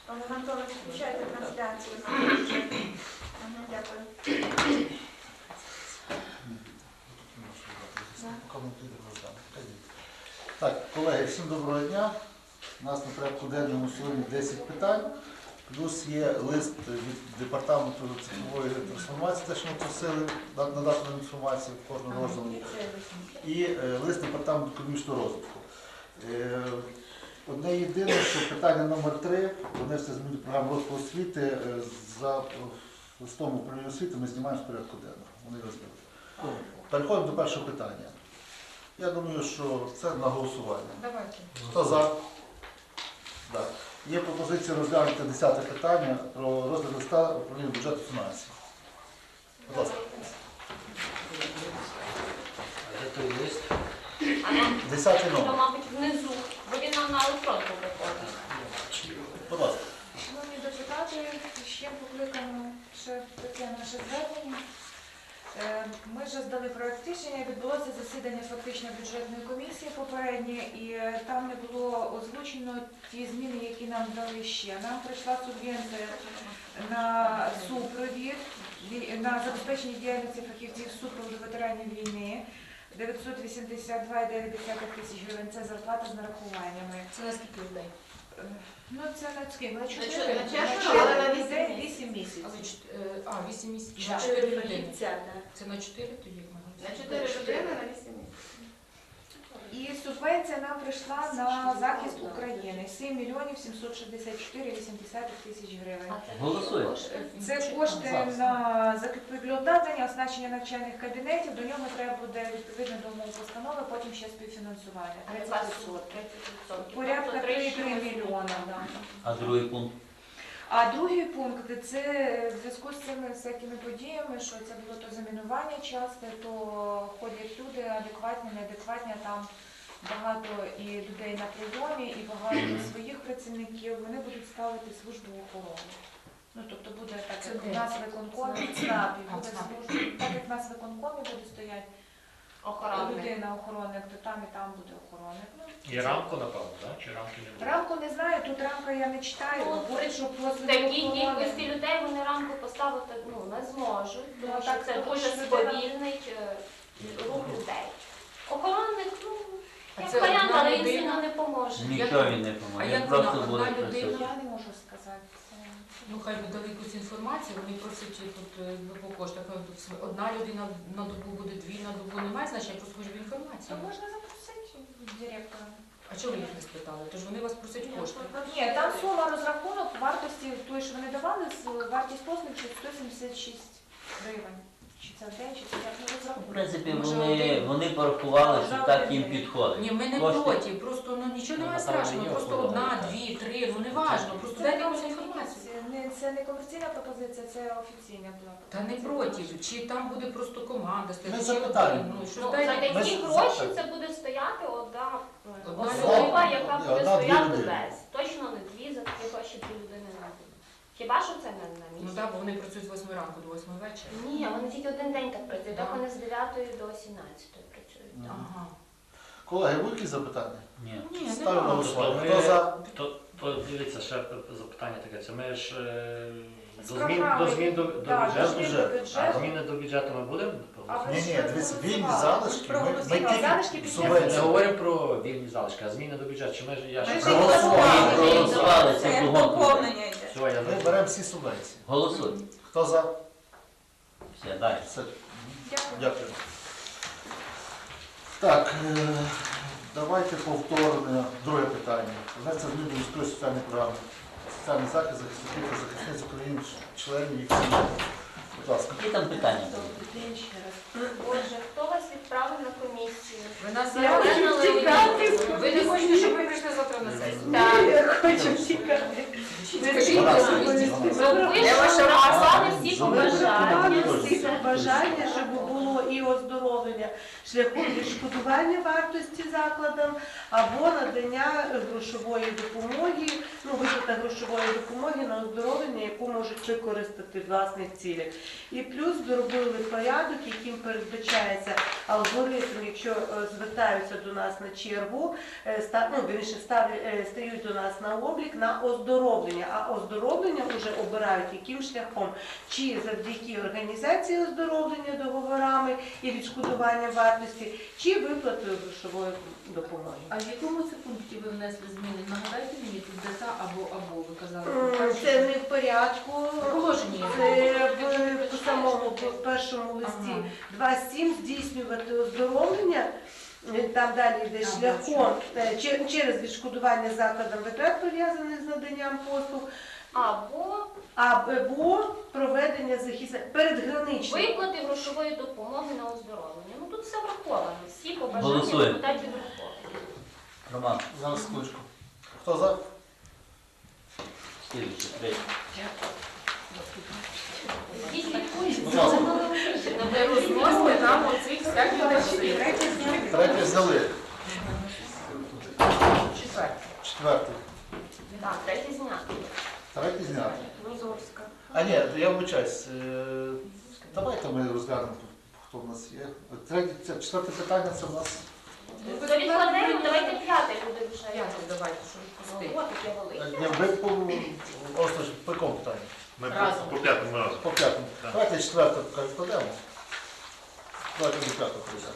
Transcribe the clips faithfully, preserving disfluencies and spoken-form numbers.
Пане Анатолій, включайте трансляцію. Дякую. Так, колеги, всім доброго дня. У нас на порядку денному сьогодні десять питань, плюс є лист від департаменту цифрової трансформації, те, що ми просили надати нам інформацію в кожному розділі, і е, лист департаменту економічного розвитку. Е, Одне єдине, що питання номер три, внести зміни до програми розвитку освіти, е, за листом управління освіти ми знімаємо з порядку денного. Вони розглядають. Переходимо до першого питання. Я думаю, що це на голосування. Давайте. Хто за? Так. Є пропозиція розглянути десяте питання про розгляд листа управління бюджету фінансів. Будь ласка. А де той лист? Десятий То, номер. мабуть, внизу, бо він нам на електронку виходить. Будь ласка. Шановні депутати, ще покликано ще таке наше звернення. Е, Ми вже здали проект рішення, відбулося засідання фактично бюджетної комісії попереднє, і е, там не було озвучено ті зміни, які нам дали ще. Нам прийшла субвенція на супровід, ві- на забезпечення діяльності фахівців супроводу ветеранів війни. дев'ятсот вісімдесят два цілих дев'ять десятих тисяч гривень – це зарплата з нарахуваннями. Це на скільки людей? Е, Ну це на скільки? На чотири- чотири на чотири, чотири але на людей, вісім вісім місяців. Але чот- е, А, вісім місяців. Да. Чотири людини. Фахівця, так. Це на чотири тоді? як ми На говоримо? чотири людини на вісім місяців. І субвенція нам прийшла на захист України сім мільйонів сімсот шістдесят чотири цілих вісім десятих тисяч гривень. Голосуємо. Це кошти на закупівлю обладнання, оснащення навчальних кабінетів. До нього треба буде відповідно до умов постанови, потім ще співфінансування. тридцять відсотків. Порядка три мільйона. Да. А другий пункт? А другий пункт це в зв'язку з цими всякими подіями, що це було то замінування часто, то ходять люди адекватні, неадекватні, там багато і людей на прийомі, і багато своїх працівників, вони будуть ставити службу охорони. Ну, тобто буде так, Це як де? у нас в виконкомі, ЦНАПі, А, буде ЦНАП. служба, так як в нас в виконкомі буде стояти Охоронник. людина охоронник, то там і там буде охоронник. Ну, І рамку, напевно, так? Чи рамки не буде? рамку не знаю, тут рамка я не читаю, Ну, говорить, що В послуги такій охорони. кількості людей вони рамку поставити ну, не зможуть, Ну, тому так, що це тому дуже що людина- сповільнить е, рух людей. Охоронник, ну, А як це варіант, одна але він людина? сильно не поможе. Нічого він не А поможе, як він просто вона, буде одна людина? працювати. Я не можу сказати. Це... Ну, хай би дали якусь інформацію, вони просять тут е, по коштах. Ну, тут см- Одна людина на добу буде, дві на добу, немає значення, я просто хочу То інформацію. можна запросити директора. А чого ви їх не спитали? Тож вони вас просять кошти. Ні, там сума розрахунок вартості, тої, що вони давали, з- вартість послуг сто сімдесят шість гривень. Чи це в день, чи це як не В розрахунок. принципі, Може, вони, один? вони порахували, що Може, так один їм день? підходить. Ні, ми не Кошти- проти, просто ну нічого Ну, немає напевно, страшного, мені просто охорона, одна, так. дві, три, ну не важно, просто Це дайте не якусь комерційна- інформацію. не- Це не комерційна пропозиція, це офіційна була. Та не проти, чи там буде просто команда стояти, Ми чи запитаємо. один, ну що Ну, дайте. за такі Без- гроші за- це буде стояти одна е, Одна особа, людина. яка Ні, буде одна-дві стояти людини. без. Точно не дві, за такі гроші дві людини не буде. Хіба що це не на Ну місці? так, бо вони працюють з восьми ранку до восьми вечора. Ні, вони тільки один день так працюють, так Да. вони з дев'ятої до сімнадцятої працюють. Мгм. Ага. Колеги, будуть якісь запитання? Ні. Ні, не Ставлю на важно. голосування. Ми- Хто за? То, то дивіться, ще запитання таке. Це ми ж е, З до змін програми. до змін до, до Так, бюджету. змін бюджету. до А бюджету. зміни до бюджету ми будемо? А ви Ні, ж ні, дивіться, вільні проголосували. залишки, ми, ми Проголосували. Залишки тільки після Ми не субвенцію. говоримо про вільні залишки, а зміни до бюджету. Чи ми ж я Ми ж ж Проголосували. Ми проголосували, це Це кругом. доповнення йде. все, я Ми зрозумів. беремо всі субвенції. Голосуй. Хто за? Все, далі. Все. Дякую. Дякую. Так, е, давайте повторне друге питання. Внести зміни до міської соціальної програми. Соціальний захист захисників та захисниць України, членів їх сімей. Будь ласка. Які там питання? Добрий день ще раз. Боже, хто вас відправив на комісію? Ви нас Я зараз хочу тікати. ви не хочете, щоб ми прийшли завтра на сесію? Так. Я хочу тікати. Скажіть, Вона- ви вона- Ви Я ваша написали всі Зелена. побажання. всі побажання, щоб було і оздоровлення шляхом відшкодування вартості закладам або надання грошової допомоги, ну, виплата грошової допомоги на оздоровлення, яку можуть використати в власних цілях. І плюс доробили порядок, яким передбачається алгоритм, якщо е, звертаються до нас на чергу, е, ста- ну, вірніше, ставлять, е, стають до нас на облік на оздоровлення, а оздоровлення вже обирають яким шляхом, чи завдяки організації оздоровлення договорами і відшкодування вартості, чи виплатою грошової допомоги. А в якому це пункті ви внесли зміни? Нагадайте мені, тут де та або або ви казали. М, Це не в порядку. Положення. Це в, в самому в першому листі Ага. два сім здійснювати оздоровлення. Там далі йде А, шляхом е, че- через відшкодування закладам витрат, пов'язаних з наданням послуг, Або або проведення захисних передграничних. виплати грошової допомоги на оздоровлення. Ну тут все враховано. Всі побажання Голосуємо. депутатів враховані. Роман, Зараз секундочку. Хто за? слідуючий, третій. Всі слідкують. Будь ласка. Не розносите нам оцих всяких речей. Третє взяли. Четверте. Четвертий. Так, третій зняти. Третій зняти. Лозовська. А ні, я вибачаюсь. е, Давайте ми розглянемо, хто в нас є. Третє, це четверте питання, це в нас. То відкладемо, давайте п'яте буде вже. П'яте давайте, щоб відпустити. О, таке велике. Ні, ви по Осташ, по якому питанню? Ми Разом. по, по п'ятому разу. По п'ятому. Так. Давайте четверте поки відкладемо. Давайте до п'ятого прийдемо.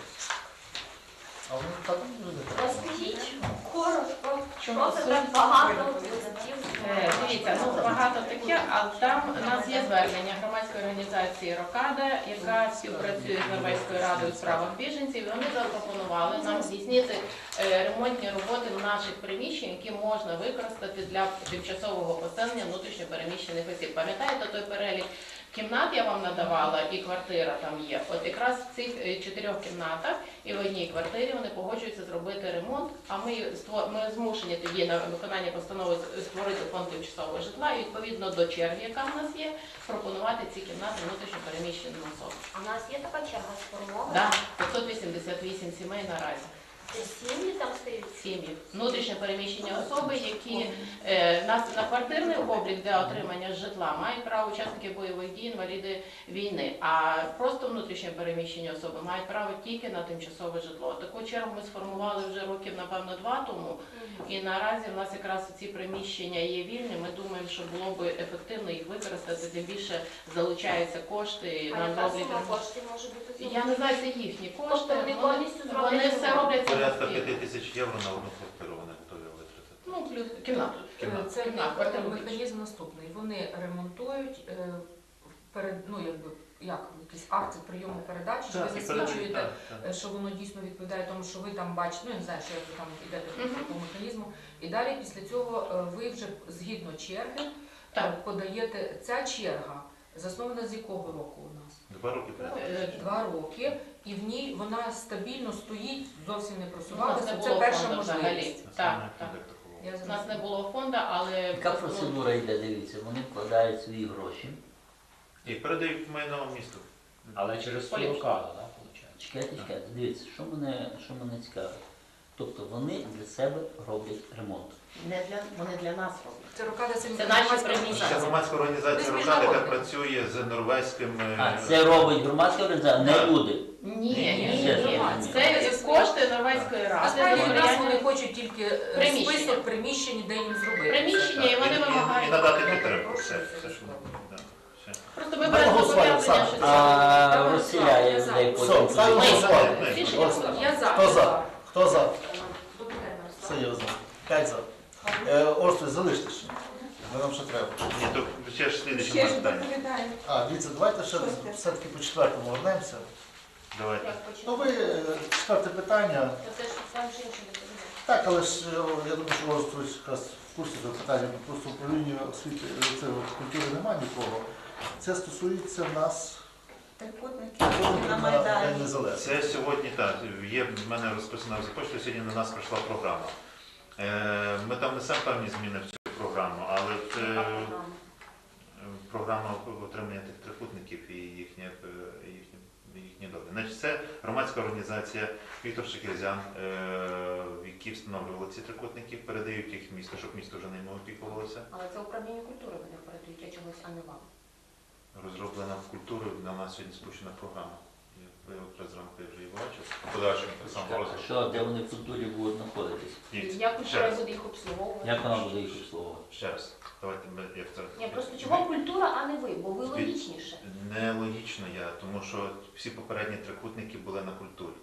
А вони так не треба. Розкажіть коротко, що це так багато листів. Е, Дивіться, ну багато таке, а там у нас є звернення громадської організації Рокада, яка співпрацює з Норвезькою радою у справах біженців. І вони запропонували нам здійснити е, ремонтні роботи наших приміщень, які можна використати для тимчасового поселення внутрішньо переміщених осіб. Пам'ятаєте той перелік кімнат я вам надавала, і квартира там є. От якраз в цих е, чотирьох кімнатах і в одній квартирі вони погоджуються зробити ремонт, а ми, ство- ми змушені тоді на виконання постанови з- створити фонд тимчасового житла і відповідно до черги, яка в нас є, пропонувати ці кімнати внутрішньо переміщеним особам. А в нас є така черга сформована? Да, п'ятсот вісімдесят вісім сімей наразі. Це сім'ї там стають? Сім'ї. Внутрішньо переміщені особи, які е, на, на квартирний облік для отримання житла мають право учасники бойових дій, інваліди війни. А просто внутрішньо переміщені особи мають право тільки на тимчасове житло. Таку чергу ми сформували вже років, напевно, два тому. І наразі в нас якраз ці приміщення є вільні. Ми думаємо, що було б ефективно їх використати, тим більше залучаються кошти А на яка роблять. сума коштів може бути? Я не знаю, це їхні кошти. Тобто вони Вони- повністю Вони зроблять все ремонт? роблять Порядка самостійно. п'яти тисяч євро на одну квартиру вони готові витратити. Ну, плюс кімнату. Кімнату. Це Кімната, мех- квартира механізм наступний. Вони ремонтують е, перед, ну якби як якісь акти прийому передачі, що ви І засвідчуєте, так, так. е, що воно дійсно відповідає тому, що ви там бачите, ну я не знаю, що як ви там йдете по Мгм. такому механізму. І далі після цього е, ви вже згідно черги е, Так. подаєте ця черга. Заснована з якого року у нас? Два роки порядка. Е, Два роки, і в ній вона стабільно стоїть, зовсім не У нас просувалася. не Це було перша фонду взагалі. можливість. Так, так. Я У нас зараз- не було фонду, але Яка процедура йде, дивіться, вони вкладають свої гроші. І передають майно місту. Але через Поліпше. Сурокада, так, виходить? Чекайте, чекайте, дивіться, що мене, що мене цікавить. Тобто вони для себе роблять ремонт. не для вони для нас роблять. Це рокада це Це наші приміщення. Це громадська організація Ми Рокада, яка міжнародні. працює з норвезьким... е, А, це робить громадська організація, не Так. люди. Ні, Ні, ні, ні, ні. ні. Це кошти Норвезької ради. Насправді у нас сприяння- вони хочуть тільки е, Приміщення. список приміщень, де їм зробити. приміщення, і вони і- і- вимагають. І надати Я підтримку. перепрошую, Все, це все, що слово. да, все. Просто ми Ми беремо голосуємо, зобов'язання, Оксана. що це. А Давай, розселяє я за. людей Все, потім. ставимо Ми- голосування. Рішення Ось. було. Я за. Хто за? Хто за? Добрий день, Мирослав. Все є за. П'ять за. Е, Орстой, залиште ще. Бо нам ще треба. Ні, то ще ж слідче Ще ж питання. доповідаю. А, дивіться, давайте ще Шосте. все-таки по четвертому вернемося. Давайте. Як Ну почати? ви, е, четверте питання. То це ж сам ж інший доповідає. Так, але ж е, я думаю, що Орстой якраз в курсі цього питання, бо просто управління освіти е, це, от, культури немає нікого. Це стосується нас Трикутники на на День Майдані. Незалежності. Це сьогодні так. Є в мене розписано в започатку, сьогодні на нас прийшла програма. Е, Ми там несемо певні зміни в цю програму, але це Яка програма? програма отримання тих трикутників і їхнє, е, їхнє їхні долі. Значить, це громадська організація Віктор Шекерзян, е, які встановлювали ці трикутники, передають їх в місто, щоб місто вже ними опікувалося. Але це управління культури вони передають, я чогось, а не вам. Розроблена в культурі, на нас сьогодні спущена програма. Я ви якраз зранку я вже її бачив. Подальшому так само А розвитку. що, де вони в культурі будуть знаходитись? Дивіться, Як ще культура раз, буде їх обслуговувати? Як вона буде їх обслуговувати? ще раз. Давайте ми як це. Ні, просто чого культура, а не ви, бо ви Від- логічніше. Нелогічно я, тому що всі попередні трикутники були на культурі.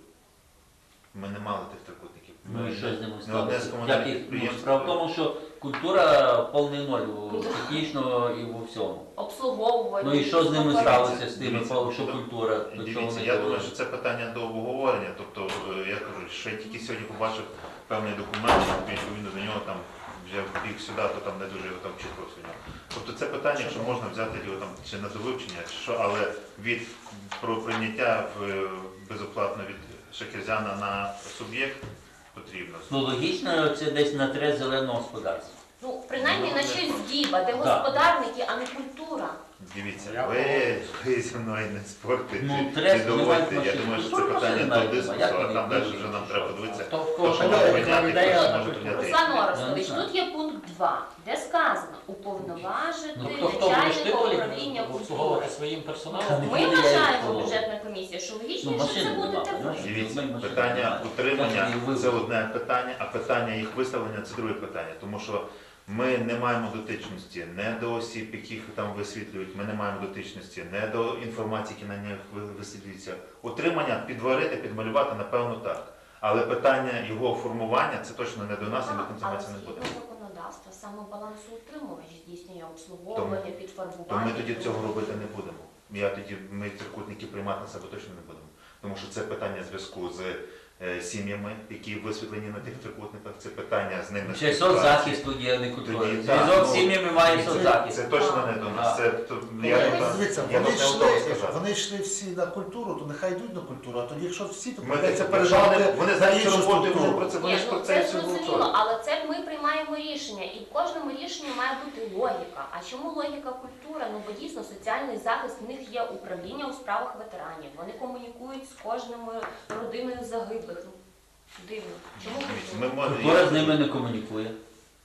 Ми не мали тих трикутників. Ну і що з ними Не одне з сталося? комунальних Як їх- ну, підприємств. справа в тому, що культура повний ноль у- технічно і у всьому. Обслуговувати. Ну і що з ними спілкуватися. сталося з тими, Дивіться, що то- культура, до чого Дивіться, вони я думаю, довели? що це питання до обговорення. Тобто, е, я кажу, що я тільки сьогодні побачив певний документ, відповідно до нього там вже біг сюди, то там не дуже його там чітко сьогодні. Тобто це питання, якщо можна взяти його там чи на довивчення, чи що, але від про прийняття в, е, безоплатно від Шекерзяна на суб'єкт потрібно. Ну логічно, це десь на треть зеленого господарства. Ну, принаймні Ну, на не щось точно. здіба, де Так. господарники, а не культура. Дивіться, ви, ви зі мною не спорте, Ну, чи треба не доводьте. знімати Я думаю, що це машину. питання Машину до дискусу, як а вони там далі вийдуть, вже нам що? треба подивитися. То в Хто кого що що може яка прийняти, ідея хто що на може культуру? прийняти. Руслан Я Орестович, не знаю. тут є пункт два, де сказано уповноважити Ну хто хто будеш ти начальника Олі, управління культури. обслуговувати своїм персоналом? Та Ми не буде я вважаємо, обслуговувати. бюджетна комісія, що Ну, логічніше це машини будете нема, ви. знаєш. Дивіться, Ми машин питання немає. утримання Як вони це вивели? одне питання, а питання їх виставлення це друге питання. Тому що ми не маємо дотичності не до осіб, яких там висвітлюють, ми не маємо дотичності, не до інформації, які на них ви- висвітлюється. Утримання, підварити, підмалювати, напевно, так. Але питання його формування це точно не до нас, і ми Так, тим але займатися не згідно будемо. законодавства, саме балансоутримувач здійснює обслуговування, То підфарбування. ми тоді цього робити не будемо. Я тоді ми трикутники приймати на себе точно не будемо. Тому що це питання зв'язку з е, сім'ями, які висвітлені на тих трикутниках, це питання з ними. Ще співпраці. соцзахисту є, не культура. Тоді, так, Зв'язок з ну, сім'ями має Це, соцзахист. це точно не до нас. Це, то, я, Ми- не так- Дивіться, я вони не готовий йшли, сказати. вони йшли всі на культуру, то нехай йдуть на культуру, а тоді якщо всі, то Ми, придеться якщо вони, передати вони на знають цю іншу роботу, і вони структуру. про це, вони Ні, ж ну про це це все зрозуміло, голосують. але це ми приймаємо рішення, і в кожному рішенні має бути логіка. А чому логіка культура? Ну бо дійсно соціальний захист, в них є управління у справах ветеранів. Вони комунікують з кожною родиною загиблих. Ну, дивно. Чому Дивіться, культура? ми можемо- Культура з ними не комунікує.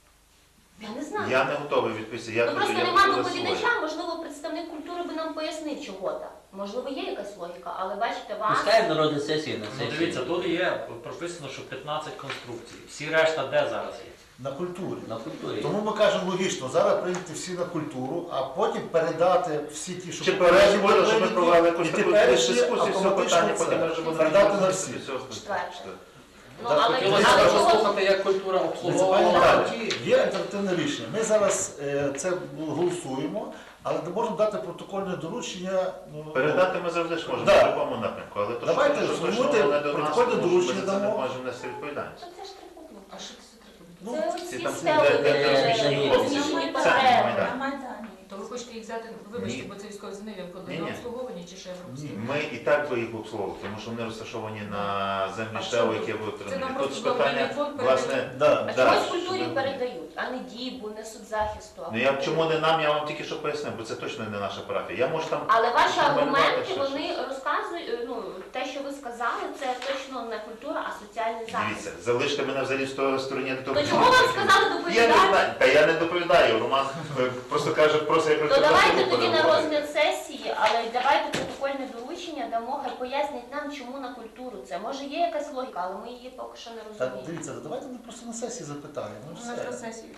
Я не знаю. Я не готовий відповісти. Я Ну кажу, просто я нема кажу за своє. доповідача, можливо, представник культури би нам пояснив чого там. Можливо, є якась логіка, але бачите, вас. Пускай народна сесія на Ну сесії. дивіться, тут є прописано, що п'ятнадцять конструкцій. Всі решта де зараз є? На культурі. На культурі. Тому ми кажемо логічно, зараз прийняти всі на культуру, а потім передати всі ті, що Чи попередні перші буде, щоб ми прийняті, провели якусь і таку теперішні дискусію з цього автоматично питання, це потім ми вже будемо передати на розглядати всі. все остальне. Четверте. Ну, Так, але, хотілося але б чого- послухати, як культура Пані обслуговувала. Наталі, є альтернативне рішення. Ми зараз е, це голосуємо, але не можемо дати протокольне доручення. Ну, Передати ми завжди ж можемо Да. в будь-якому напрямку, але то, Давайте що, що точно сформуйте воно не до нас, протокольне тому що ми доручення за це не дамо. можемо нести відповідальність. Це ж трикутник. А що це таке? Ну, Це ці оці там стели, де- де- де розміщені розміщені хлопці. Це потреби. Майдан. То ви хочете їх взяти, вибачте, Ні. бо це військові зміни, Ні, ні. на обслуговування чи ще Ні. Ми і так би їх обслуговували, тому що вони розташовані на землі А ШЕО, що які тут? будуть Це нам Тут просто питання, благодійний фонд власне, передає. Да. А Да, чомусь що культурі ви- передають, а не дібу, не соцзахисту. а ну я культурі. чому не нам, я вам тільки що пояснив, бо це точно не наша парафія. Я можу там Але ваші Що малювати, аргументи, що вони розказують, ну, те, що ви сказали, це точно не культура, а соціальний захист. дивіться, залиште мене взагалі в сто- стороні до того. То чому вам сказали Я не доповідати? знаю, та я не доповідаю. Роман е, просто каже, просто як То давайте тоді на розгляд сесії, але давайте протокольне доручення дамо, хай пояснять нам, чому на культуру це. Може є якась логіка, але ми її поки що не Так, розуміємо. дивіться, давайте ми просто на сесії запитаємо. Ну, На все. розгляд сесії.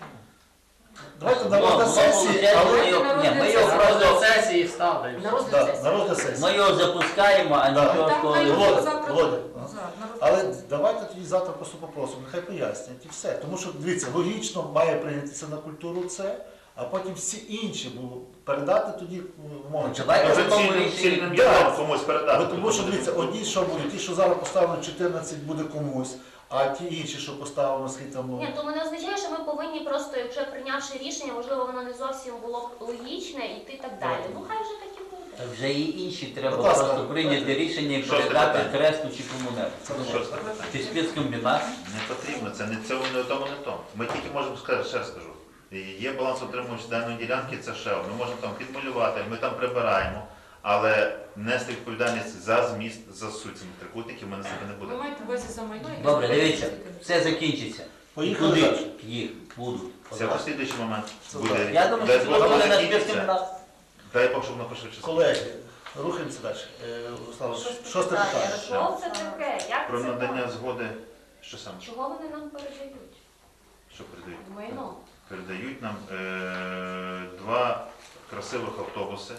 Давайте Ну, на розгляд ну, сесії, ну, але ми його- на ні, ми розгляд його сесії. просто- На розгляд сесії ставте. На розгляд да, сесії. на розгляд сесії. Ми його запускаємо, а Да. нічого Так, такого хай не його буде. Володя, завтра- Володя, За, на розгляд Але сесії. давайте тоді завтра просто попросимо, нехай пояснять і все. Тому що, дивіться, логічно має прийнятися на культуру це, а потім всі інші будуть передати тоді умовно. Давайте Може в тому цільним, рішенні- цільним Да. ядом комусь передати. Бо тому що дивіться, одні що будуть, ті, що зараз поставлено чотирнадцять, буде комусь, а ті інші, що поставлено, скільки там. Ні, то не означає, що ми повинні просто, якщо прийнявши рішення, можливо, воно не зовсім було б логічне і ти так далі. Ну хай вже так і буде. Так вже і інші треба Будь ласка. просто прийняти рішення і Шосте передати питання. тресту чи комунеру. Це Що ж таке? Чи спецкомбінат. Не потрібно, це не це не тому, не тому. Ми тільки можемо сказати, ще раз скажу. Є балансоутримувач даної ділянки, це ШЕО. Ми можемо там підмалювати, ми там прибираємо. але нести відповідальність за зміст, за суть цих трикутників ми на себе не Ви будемо. маєте увазі за майно? яке Добре, знаходиться дивіться, в все закінчиться. Поїхали Куди далі. їх будуть? Це в слідуючий момент Це буде. так. Я думаю, Дай що Бог, це воно буде на закінчиться. спецкомбінат. Дай Бог, щоб воно пошвидше. Колеги, рухаємося далі. Е, Руслан, шосте питання. Що це таке? Як Про це надання так? згоди, що саме? Чого вони нам передають? Що передають? Майно. Передають нам е, два красивих автобуси,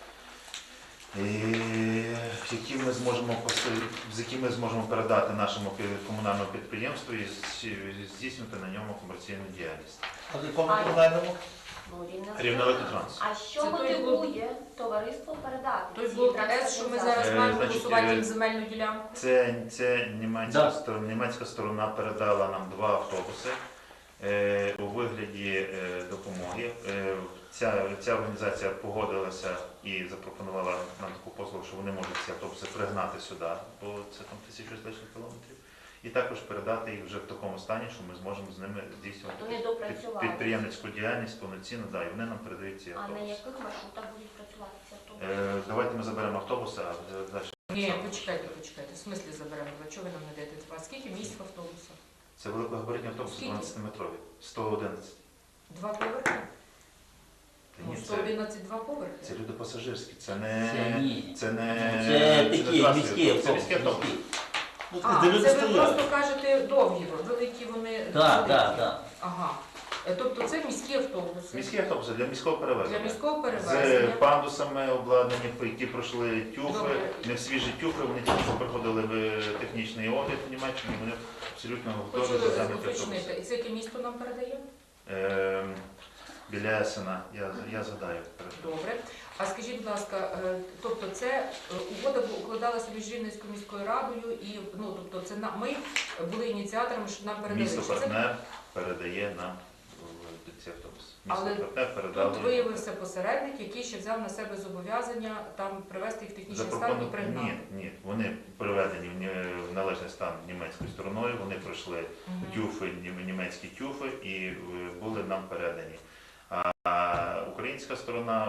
е, які ми зможемо поси- з якими ми зможемо передати нашому пі- комунальному підприємству і з- здійснювати на ньому комерційну діяльність. А в якому А- комунальному? Ну, Рівне Рівнеелектротранс. А що Це той мотивує товариство передати? Той ці блок С, транспортні що ми засоби? зараз Е, маємо значить, голосувати е, їм земельну ділянку. Це, це німецька, Да. сторона, німецька сторона передала нам два автобуси е, у вигляді е, допомоги. Е, ця, ця організація погодилася і запропонувала нам таку послугу, що вони можуть ці автобуси пригнати сюди, бо це там тисячу з лишніх кілометрів. І також передати їх вже в такому стані, що ми зможемо з ними здійснювати Вони під- допрацювали. підприємницьку діяльність повноцінно, да, і вони нам передають ці А на автобуси. яких маршрутах будуть працювати ці автобуси? Е, давайте ми заберемо автобуси, а е, далі. Ні, почекайте, почекайте. В смислі заберемо? А чого ви нам не даєте два? Скільки місць в автобусах? Це великогабаритні автобуси Скільки? дванадцятиметрові, сто одинадцять. Два поверхи? Та Ну, ні, сто одинадцять два поверхи. Це люди пасажирські, це Це не. ні. Це не. Це не такі трасові міські автобуси, Це міські автобуси. автобуси. Ну, А, де люди це ви стоять. просто кажете довгі, великі вони. Так, великі. так, так. Ага. Е, Тобто це міські автобуси. Міські автобуси для міського Для перевезення. міського З перевезення. пандусами обладнані, по які пройшли тюфи, Добре. не свіжі тюфи, вони тільки що проходили в технічний огляд в Німеччині, вони абсолютно готові Хочу до заміти уточнити. автобуси. І це яке місто нам передає? Ем, Біля Есена, я, я згадаю. Добре. А скажіть, будь ласка, е, тобто це е, угода бу- укладалася між Рівненською міською радою і ну тобто це на ми були ініціаторами, щоб нам передали. Місто Чи це- партнер передає нам в- ці автобуси. Місто Але партнер передало. Тут виявився посередник, який ще взяв на себе зобов'язання там привести їх в технічний стан і Запропону- пригнати. Ні, ні, вони приведені в ні- в належний стан німецькою стороною, вони пройшли Мгм. тюфи, нім- німецькі тюфи і е, були нам передані. А українська сторона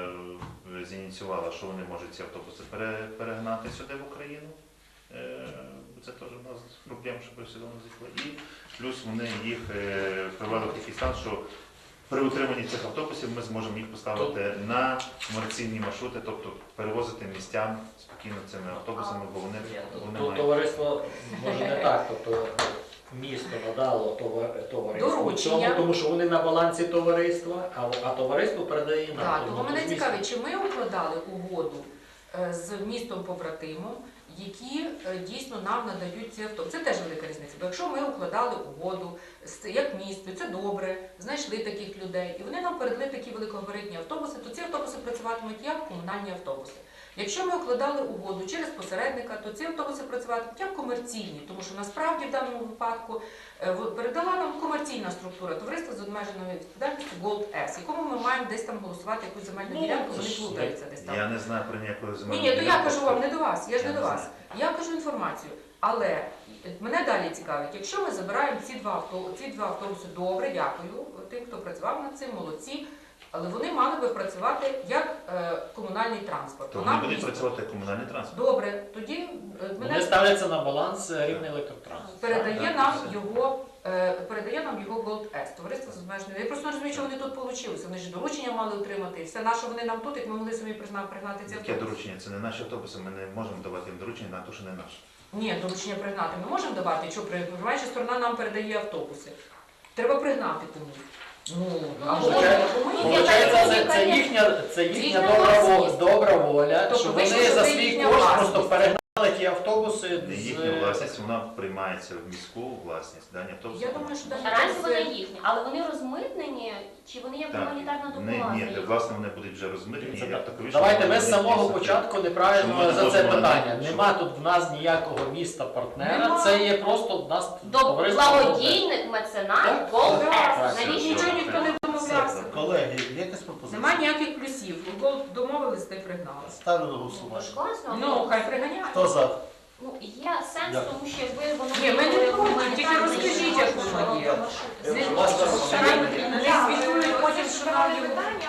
е, зініціювала, що вони можуть ці автобуси пере- перегнати сюди в Україну. Е, Це теж у нас проблема, щоб сюди не зійшли. І плюс вони їх е, привели в такий стан, що при утриманні цих автобусів ми зможемо їх поставити на комерційні маршрути, тобто перевозити містян спокійно цими автобусами, бо вони, вони Тут мають. товариство може не так, тобто місто надало товар- товариству Доручення. цьому, тому що вони на балансі товариства, а, а товариство передає нам. Так, Тому тому мене тут місто- цікавить, чи ми укладали угоду е, з містом побратимом, які е, дійсно нам надають ці автобуси. Це теж велика різниця. Бо якщо ми укладали угоду з як місто, це добре, знайшли таких людей, і вони нам передали такі великогабаритні автобуси, то ці автобуси працюватимуть як комунальні автобуси. Якщо ми укладали угоду через посередника, то ці автобуси працюватимуть як комерційні, тому що насправді в даному випадку е, в- передала нам комерційна структура товариства з обмеженою відповідальністю Gold S, якому ми маємо десь там голосувати якусь земельну Ну, ділянку, це вони ж- плутаються десь там. Я не знаю про ніякої Ні, земельної ні, то я ділянки. кажу вам не до вас, я ж Я не до не вас. Я кажу інформацію. Але мене далі цікавить, якщо ми забираємо ці два автобуси, ці два автобуси, добре, дякую тим, хто працював над цим, молодці. Але вони мали би працювати як е, комунальний транспорт. То Вона вони будуть місто. працювати як комунальний транспорт. Добре, тоді е, Вони мене ставляться на баланс рівний електротранс. передає Так, нам все. його, е, передає нам його Gold S, товариство з обмеженою. Я просто не розумію, що вони тут вийшли. Вони ж доручення мали отримати. І все на що вони нам тут, як ми могли самі пригна- пригнати ці Яке автобуси. доручення? Це не наші автобуси, ми не можемо давати їм доручення на те, що не наші. Ні, доручення пригнати ми можемо давати, якщо приймаюча сторона нам передає автобуси. Треба пригнати комусь. Ну, або Получається- комусь. Получається, це, це їхня, це їхня Їхня добра, во- власність. добра воля, Тобто що вийшло, вони що за це свій їхня кошт власність. просто перегнали ті автобуси Не з... їхня власність, вона приймається в міську власність. Дані автобуси. Я думаю, що Наразі вони навіть їхні, але вони розмитнені, чи вони як Так. гуманітарна Вони, допомога? ні, де, власне, вони будуть вже розмитені. Це як так. такові, Давайте що ми вони з самого дійсно- початку Що ми неправильно не за це можемо питання. навіть, Нема що- тут в нас ніякого міста партнера, Нема. це є просто в нас До товариство. благодійник меценат Gold Так, S. так, Навіщо? нічого ніхто не домовлявся. Колеги, є якась пропозиція? Нема ніяких плюсів. Гол домовились, та й пригнали. Ставлю на Ну, голосування. ж класно. Ну, хай приганяють. Хто за? Ну, є сенс, Дякую. тому що якби воно Ні, ми не було проти, гуманітарне, тільки розкажіть, як воно є. маршрути. Не Будь ласка, звітують потім, що нам його. питання,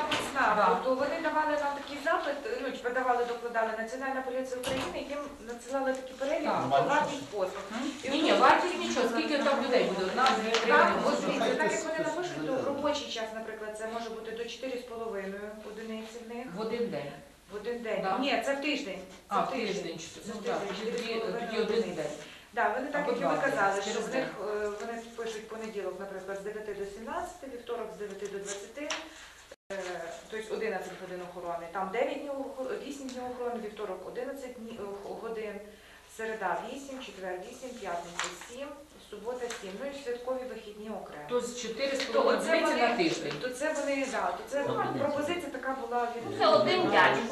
Так, Да. то вони давали нам такий запит, ну, типу, давали, докладали Національна поліція України, їм надсилали такі перелік Так. по вартість послуг. І Ні, ні, от- вартість нічого, скільки там людей буде? Одна, дві, три, Так, вони от будуть. дивіться, так як вони напишуть, то в робочий час, наприклад, це може бути до чотири з половиною одиниці в них В один день. в один день. Да. Ні, це в тиждень. Це А, в тиждень. Це Ну в так, тиждень, тоді, чотири з тоді половиною один одиниці. день. Да, вони так, Або як і ви два, казали, через що в день. них е, вони пишуть понеділок, наприклад, з дев'яти до сімнадцяти, вівторок з дев'яти до двадцяти, е, тобто одинадцять годин охорони, там дев'ять днів, охо- вісім днів охорони, вівторок одинадцять дні- е, годин, середа вісім, четвер вісім, п'ятниця сім, субота сім, ну і святкові вихідні окремо. Тобто чотири з То половиною оце одиниці вони- на тиждень. То це вони, да, то це Одиниці. пропозиція така була від... Ну, це один дядько.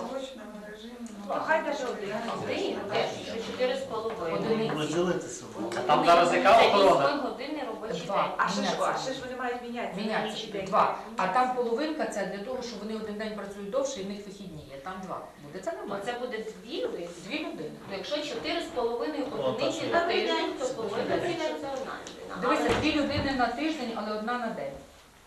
То хай даже один. Один, теж, що чотири з половиною. Одиниці. Розділитися. А там зараз яка Це охорона? вісім годинний робочий Два. день. А ще ж, Міняться. а ще ж вони мають мінятися. на Міняться інший день. два. А там половинка це для того, що вони один день працюють довше і в них вихідні є. Там два. Буде це То нормально. це буде дві людини. Дві людини. Ну, якщо чотири з половиною О, одиниці так, на так. тиждень, то половина це одна людина. Дивися, Але дві людини на тиждень, але одна на день.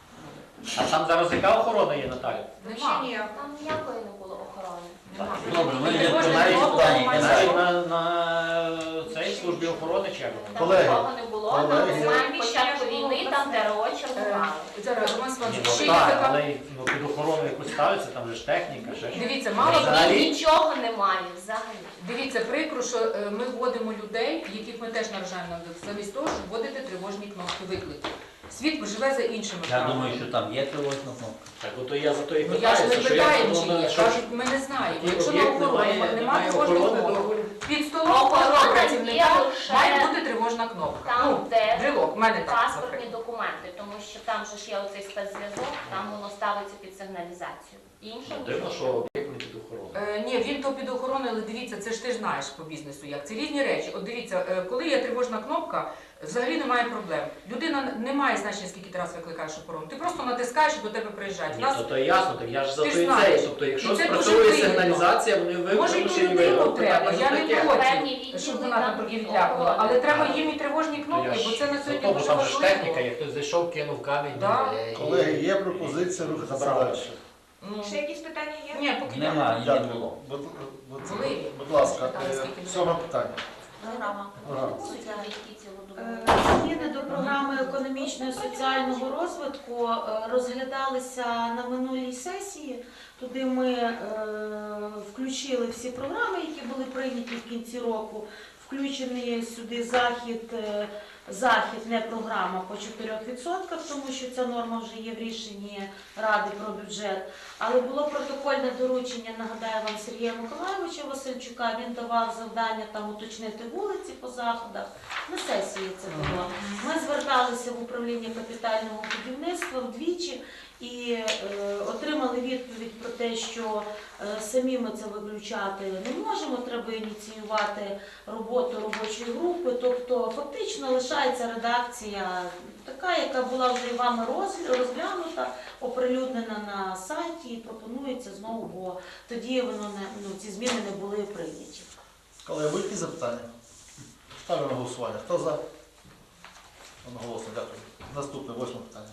А там зараз яка охорона є, Наталя? Взагалі ні. там ніякої не було охорони. Нема. Добре, ми Ти йдемо кожен по нашій знову питанні. має Навіть право. на, на цій службі охорони чи як воно? Там Колеги, нікого не було, на колеги. момент початку війни там ТРО Е, чергували. Зараз, Роман Ні, Славович, ну ще є так, така... але ну, під охороною якусь ставиться, там же ж техніка, ще щось. Дивіться, мало Взагалі- Нічого немає взагалі. Дивіться, прикро, що е, ми вводимо людей, яких ми теж наражаємо на виклик, замість того, щоб вводити тривожні кнопки викликів. Світ живе за іншими Я правилами. думаю, що там є тривожна кнопка. Так, ото я за то і Ну я ж не питаюся, що питаю, як чи воно, є. що Кажуть, ми не знаємо. такий Якщо на об'єкт охороні немає, немає немає тривожної охорони, кнопки, то під столом Охорона кожного є працівника лише має бути тривожна кнопка. Там, Ну, де брелок, в мене так, паспортні наприклад. документи, тому що там же ж є оцей спецзв'язок, там воно ставиться під сигналізацію. Інше Ну, дивно, що об'єкт не під охороною. Е, ні, він то під охороною, але дивіться, це ж ти ж знаєш по бізнесу як. Це різні речі. От дивіться, е, коли є тривожна кнопка, взагалі немає проблем. Людина не має значення, скільки ти раз викликаєш охорону. Ти просто натискаєш і до тебе приїжджають. У Ні, нас то, то ясно, так я ж за Ти то ж і знаєш. цей. Тобто, якщо І це дуже спрацьовує вигідно. сигналізація, вони може і виключені людину треба, я не таке. проти, Певні відділи щоб вона там там тоді від відлякувала. охорони. Але треба їм і тривожні То кнопки, я бо ж це на за сьогодні то, бо дуже там же ж техніка, важливо. як хтось зайшов, кинув камінь, Да. ну, і- Колеги, є пропозиція рухатися Забрали. далі. Ну, Ще якісь питання є? ні, поки Немає, не Дякую. було. Будь, будь, Були. будь ласка, Там е, скільки буде? сьоме питання. Програма. Програма. Будуть які цілодобово? Е, Зміни до програми економічного і соціального розвитку е, розглядалися на минулій сесії. Туди ми е, включили всі програми, які були прийняті в кінці року. Включений сюди захід, е, захід, не програма по чотирьох відсотках, тому що ця норма вже є в рішенні Ради про бюджет. Але було протокольне доручення, нагадаю вам, Сергія Миколайовича Васильчука. Він давав завдання там уточнити вулиці по заходах. На сесії це було. Ми зверталися в управління капітального будівництва вдвічі і е, отримали відповідь про те, що е, самі ми це виключати не можемо, треба ініціювати роботу робочої групи. Тобто фактично лишається редакція така, яка була вже і вами роз- розглянута, оприлюднена на сайті і пропонується знову, бо тоді воно не, ну, ці зміни не були прийняті. Колеги, будь-які запитання? Ставлю на голосування. Хто за? Одноголосно, дякую. Наступне, восьме питання.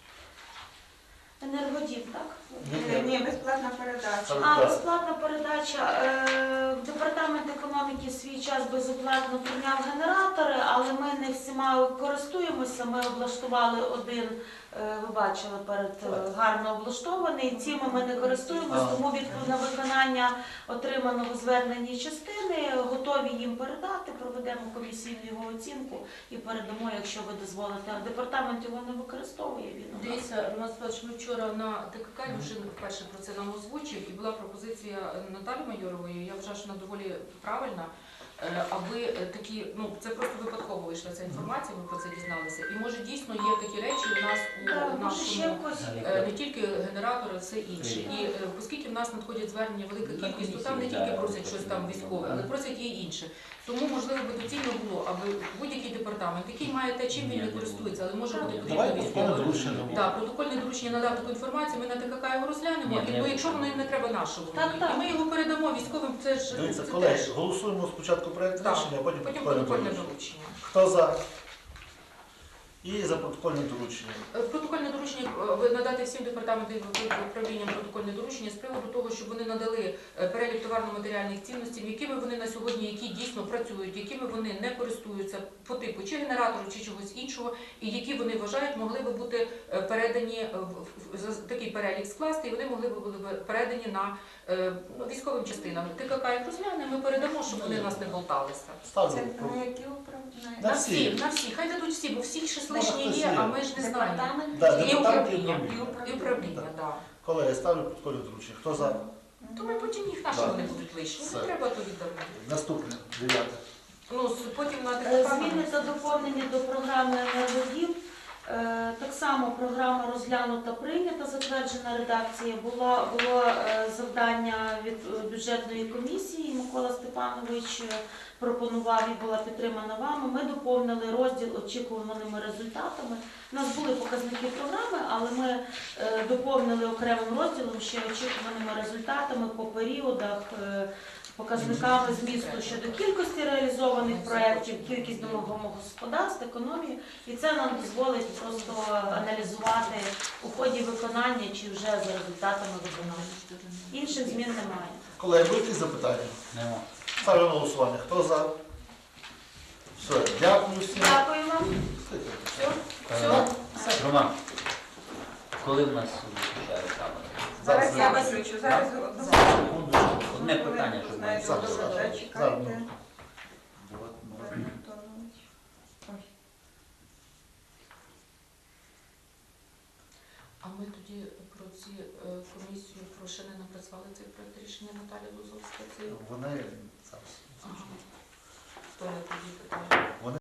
Енергодім, так? Ні, ні. Ні, безплатна передача. А, безплатна передача. Е, Департамент економіки свій час безоплатно прийняв генератори, але ми не всіма користуємося. Ми облаштували один, е, ви бачили, перед е, гарно облаштований. Цими ми не користуємося, А. тому від на виконання отриманого звернення частини готові їм передати, проведемо комісійну його оцінку і передамо, якщо ви дозволите. А департамент його не використовує, він у нас. Дивіться, Роман Степанович, ми вчора на ТКК вже вперше про це нам озвучив, і була пропозиція Наталі Майорової, я вважаю, що вона доволі правильна, е, аби е, такі, ну це просто випадково вийшла ця інформація, ми про це дізналися. І може дійсно є такі речі у нас Так, у може ще нашому, якось. е, не тільки генератори, все інше. І е, оскільки в нас надходять звернення велика кількість, то там не тільки просять щось там військове, але просять і інше. Тому, можливо, би доцільно було, аби будь-який департамент, який має те, чим він не користується, але може бути потрібно Давай протокольне військове. доручення. Так, протокольне доручення надав таку інформацію, ми на ТКК його розглянемо, Ні, і ні. бо якщо воно їм не треба нашого, Так, так. і ми його передамо військовим, це ж Дивіться, це колеги, теж. голосуємо спочатку проєкт Так. рішення, а потім Потім протокольне протокольне доручення. доручення. Хто за? І за протокольне доручення. Е, Протокольне доручення е, ви надати всім департаментам і управлінням протокольне доручення з приводу того, щоб вони надали е, перелік товарно-матеріальних цінностей, якими вони на сьогодні, які дійсно працюють, якими вони не користуються по типу чи генератору, чи чогось іншого, і які вони вважають могли би бути е, передані е, в- в- за такий перелік скласти, і вони могли би бути передані на е, ну, військовим частинам. ТКК їх розгляне, ми передамо, щоб вони в нас не болталися. Ставлю. на які управління? На На всі. всі, на всі, хай дадуть всі, бо всіх щось Може, лишнє хтось є, є. а ми ж не знаємо. Департамент. Да, І депутат і управління, управління. і управління, так. Колеги, ставлю протокольне доручення. Хто за? То ми потім їх наші Да. вони будуть лишні. Все. Не треба то віддавати. Наступне, дев'яте. Ну, з- потім на Е, ТКК. Зміни та доповнення до програми «Енергодім». Е, Так само програма розглянута, прийнята, затверджена редакція. Була, було е, завдання від е, бюджетної комісії. Микола Степанович е, пропонував і була підтримана вами. Ми доповнили розділ очікуваними результатами. У нас були показники програми, але ми е, доповнили окремим розділом ще очікуваними результатами по періодах, е, показниками змісту щодо кількості реалізованих проєктів, кількість домогосподарств, економії. І це нам дозволить просто аналізувати у ході виконання чи вже за результатами виконання. Інших змін немає. Колеги, будуть якісь запитання? Нема. Ставлю на голосування. Хто за? Все, дякую всім. Дякую вам. Е, Роман, коли в нас включає камера? Зараз Я вас вичу, зараз Секундочку. Одне питання, щоб ми Зараз, не зараз. Зараз, чекайте. минутку. А ми тоді про ці е, комісію про ще не напрацювали цей проект рішення Наталі Лузовська. Це Вони зараз. ага. Хто не тоді питає?